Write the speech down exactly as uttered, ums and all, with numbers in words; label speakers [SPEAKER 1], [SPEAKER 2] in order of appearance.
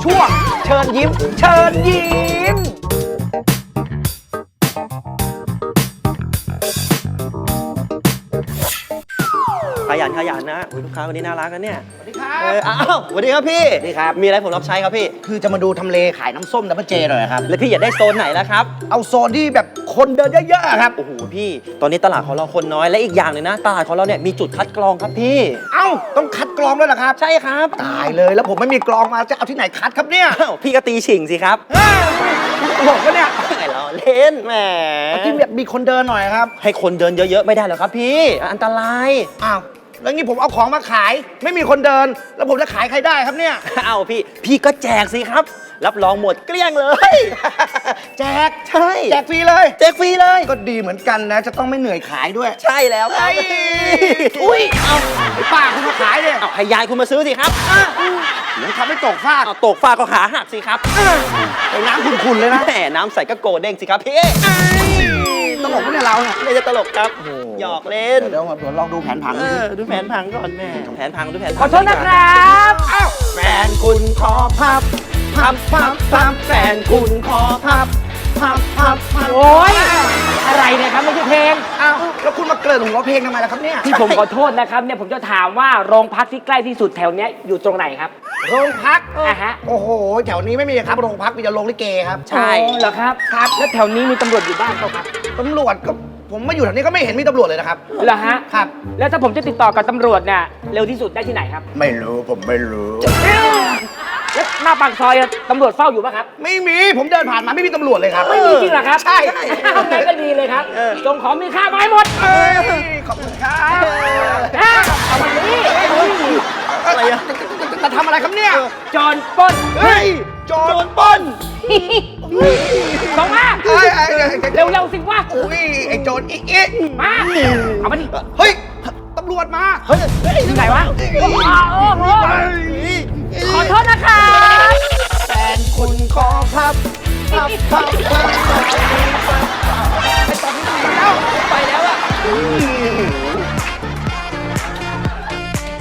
[SPEAKER 1] ช่วงเชิญยิ้มเชิญยิ้มขยันขยันนะลูกค้าคนนี้น่ารักนะเนี่ยสวัสดีครับเอออ้าวสวัสดีครับพี่สวัสดีครับมีอะไรผมรับใช้ครับพี่
[SPEAKER 2] คือจะมาดูทำเลขายน้ำส้มดับเบิลเจหน่อยครับ
[SPEAKER 1] แล้วพี่อยากได้โซนไหนล่ะครับ
[SPEAKER 2] เอาโซนที่แบบคนเดินเยอะๆครับ
[SPEAKER 1] โอ้โหพี่ตอนนี้ตลาดของเราคนน้อยและอีกอย่างหนึ่งนะตลาดของเราเนี่ยมีจุดคัดกรองครับพี่
[SPEAKER 2] เอ้าต้องคัดกรองด้วยเหรอครับ
[SPEAKER 1] ใช่ครับ
[SPEAKER 2] ตายเลยแล้วผมไม่มีกรองมาจะเอาที่ไหนคัดครับเนี่ย
[SPEAKER 1] พี่ก็ตีฉิงสิครับ
[SPEAKER 2] ตลกปะเนี่ย
[SPEAKER 1] ไม่ล้อเล่นแหม
[SPEAKER 2] ที่แบบมีคนเดินหน่อยครับ
[SPEAKER 1] ให้คนเดินเยอะๆไม่ได้หรอกครับพี่อันตราย
[SPEAKER 2] อ้าวแล้วงี้ผมเอาของมาขายไม่มีคนเดินแล้วผมจะขายใครได้ครับเนี่ย
[SPEAKER 1] อ้าวพี่พี่ก็แจกสิครับรับรองหมดเกลี้ยงเลย
[SPEAKER 2] แจก
[SPEAKER 1] ใช่
[SPEAKER 2] แจกฟรีเลย
[SPEAKER 1] แจกฟรีเลย
[SPEAKER 2] ก็ดีเหมือนกันนะจะต้องไม่เหนื่อยขายด้วย
[SPEAKER 1] ใช่แล้วครับ
[SPEAKER 2] อุ้ยเอาไอ้ป้าคุณมาขายเนี่ย
[SPEAKER 1] เอาให้ยายคุณมาซื้อสิครับ
[SPEAKER 2] เดี๋ยวทำให้ตกฟาก
[SPEAKER 1] เอาตกฟากก็ขาหักสิครับ
[SPEAKER 2] ไอ้น้ำขุ่นๆเลยนะ
[SPEAKER 1] แหมน้ำใส่ก็โกเด้งสิครับพี่
[SPEAKER 2] ตลกไม่ใช่เราเนี่ย
[SPEAKER 1] ไม่จะตลกครับหยอกเล่น
[SPEAKER 2] เดี๋ยวเดี๋ยวลองดูแผนผัง
[SPEAKER 1] ดูแผนผังก่อนแม่แผนผังดูแผน
[SPEAKER 3] ขอโทษนะครับ
[SPEAKER 1] อ้าวแฟนคุณขอพับพับพับพับแฟนคุณขอพับพับพับพับ
[SPEAKER 3] โอ้ยอะไรเนี่ยครับไม่ใช่เพลง
[SPEAKER 2] อ้าวแล้วคุณมาเกริ่นหัวเพลงทำไมล่ะครับเนี่ย
[SPEAKER 3] ที่ผมขอโทษนะครับเนี่ยผมจะถามว่าโรงพักที่ใกล้ที่สุดแถวเนี้ยอยู่ตรงไหนครับ
[SPEAKER 2] โรงพัก
[SPEAKER 3] อ่ะฮะ
[SPEAKER 2] โอ้โหแถวนี้ไม่มีครับโรงพักมีแต่โรงลิเกครับ
[SPEAKER 1] ใช่
[SPEAKER 3] เหรอครับ
[SPEAKER 2] ครับ
[SPEAKER 3] แล้วแถวนี้มีตำรวจอยู่บ้างเปล่าครับ
[SPEAKER 2] ตำรวจก็ผมมาอยู่แถวนี้ก็ไม่เห็นมีตำรวจเลยนะครับ
[SPEAKER 3] เหรอฮะ
[SPEAKER 2] ครับ
[SPEAKER 3] แล้วถ้าผมจะติดต่อกับตำรวจเนี่ยเร็วที่สุดได้ที่ไหนครับ
[SPEAKER 2] ไม่รู้ผมไม่รู้
[SPEAKER 3] แล้วหน้าปากซอยตำรวจเฝ้าอยู่ป่ะครับ
[SPEAKER 2] ไม่มีผมเดินผ่านมาไม่มีตำรวจเลยครับ
[SPEAKER 3] ไม่มีจริงเหรอครับ
[SPEAKER 2] ใช่
[SPEAKER 3] ทำไงก็ดีเลยครับจงของมีค่ามาให้หมด
[SPEAKER 2] ขอบคุณครับ
[SPEAKER 3] เอามานี่
[SPEAKER 2] อะไรอะจะทำอะไรครับเนี่ย
[SPEAKER 3] โจรปล้น
[SPEAKER 2] เฮ้ยโจรปล้น
[SPEAKER 3] ส่งมาเร็วๆสิวะ
[SPEAKER 2] อุ้ยไอ้โจรอีกอีก
[SPEAKER 3] มาเอามาดิ
[SPEAKER 2] เฮ้ยตำรวจมา
[SPEAKER 3] เฮ้ยที่ไหนวะขอโทษนะคะ
[SPEAKER 2] แฟนคุณขอพับพับพับพับ